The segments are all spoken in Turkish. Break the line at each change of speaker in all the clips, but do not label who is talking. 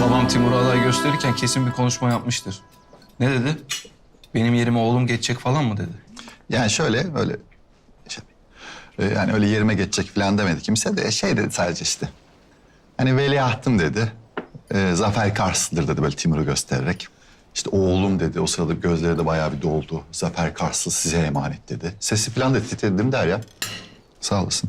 Babam Timur'a aday gösterirken kesin bir konuşma yapmıştır. Ne dedi? Benim yerime oğlum geçecek falan mı dedi?
Yani şöyle öyle şey, yani öyle yerime geçecek falan demedi kimse de şey dedi sadece işte. Hani veliahtım dedi. Zafer Karslı'dır dedi böyle Timur'u göstererek. İşte oğlum dedi. O sırada gözleri de bayağı bir doldu. Zafer Karslı size emanet dedi. Sesi falan da titredi değil mi Derya? Sağ olasın.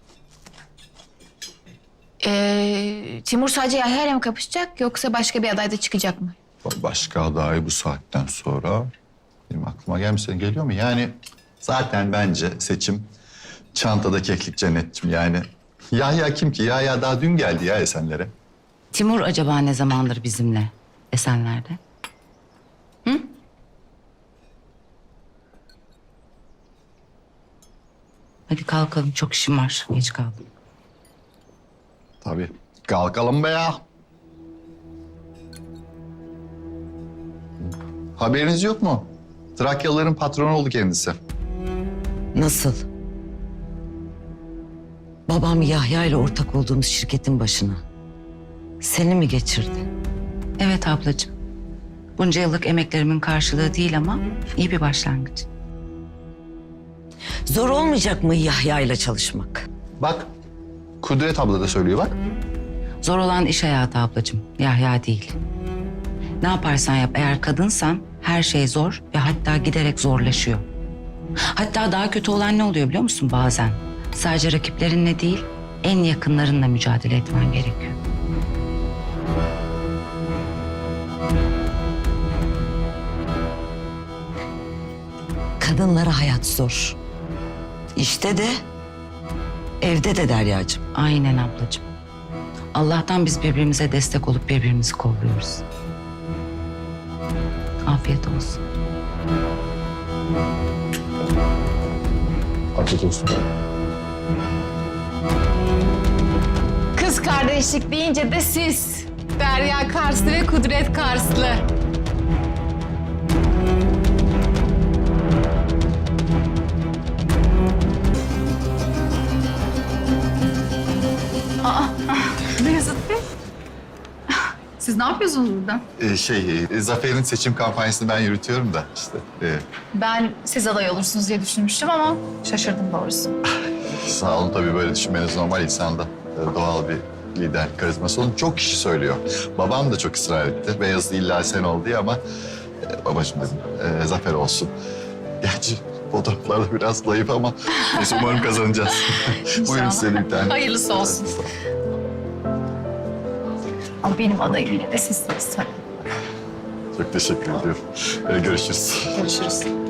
Timur sadece Yahya ile mi kapışacak yoksa başka bir aday da çıkacak mı?
Başka aday bu saatten sonra benim aklıma gelmiş. Senin geliyor mu? Yani zaten bence seçim çantada keklik cennetçim yani. Yahya kim ki? Yahya daha dün geldi ya Esenler'e.
Timur acaba ne zamandır bizimle Esenler'de? Hı? Hadi kalkalım, çok işim var. Geç kaldım.
Tabii. Kalkalım be ya. Haberiniz yok mu? Trakyalıların patronu oldu kendisi.
Nasıl? Babam Yahya ile ortak olduğumuz şirketin başına. Seni mi geçirdi?
Evet ablacığım. Bunca yıllık emeklerimin karşılığı değil ama iyi bir başlangıç.
Zor olmayacak mı Yahya ile çalışmak?
Bak, Kudret abla da söylüyor bak.
Zor olan iş hayatı ablacığım, Yahya değil. Ne yaparsan yap, eğer kadınsan her şey zor ve hatta giderek zorlaşıyor. Hatta daha kötü olan ne oluyor biliyor musun bazen? Sadece rakiplerinle değil, en yakınlarınla mücadele etmen gerekiyor.
Kadınlara hayat zor. İşte de, evde de Deryacığım.
Aynen ablacığım. Allah'tan biz birbirimize destek olup birbirimizi kolluyoruz. Afiyet olsun.
Afiyet olsun.
Kız kardeşlik deyince de siz. Derya Karslı ve Kudret Karslı.
Beyazıt Bey. Siz ne yapıyorsunuz burada?
Zafer'in seçim kampanyasını ben yürütüyorum da işte.
Ben siz aday olursunuz diye düşünmüştüm ama şaşırdım doğrusu.
Sağ olun tabii böyle düşünmeniz normal insanda. Doğal bir lider karizması onu çok kişi söylüyor. Babam da çok ısrar etti. Beyazıt illa sen ol diye ama babacığım dedim Zafer olsun. Gerçi fotoğraflarda biraz zayıf ama neyse umarım kazanacağız. Buyurun size de bir tane.
Hayırlısı olsun. Ama benim adayım yine de sizsiniz tabii.
Çok teşekkür ediyorum. Görüşürüz.
Görüşürüz.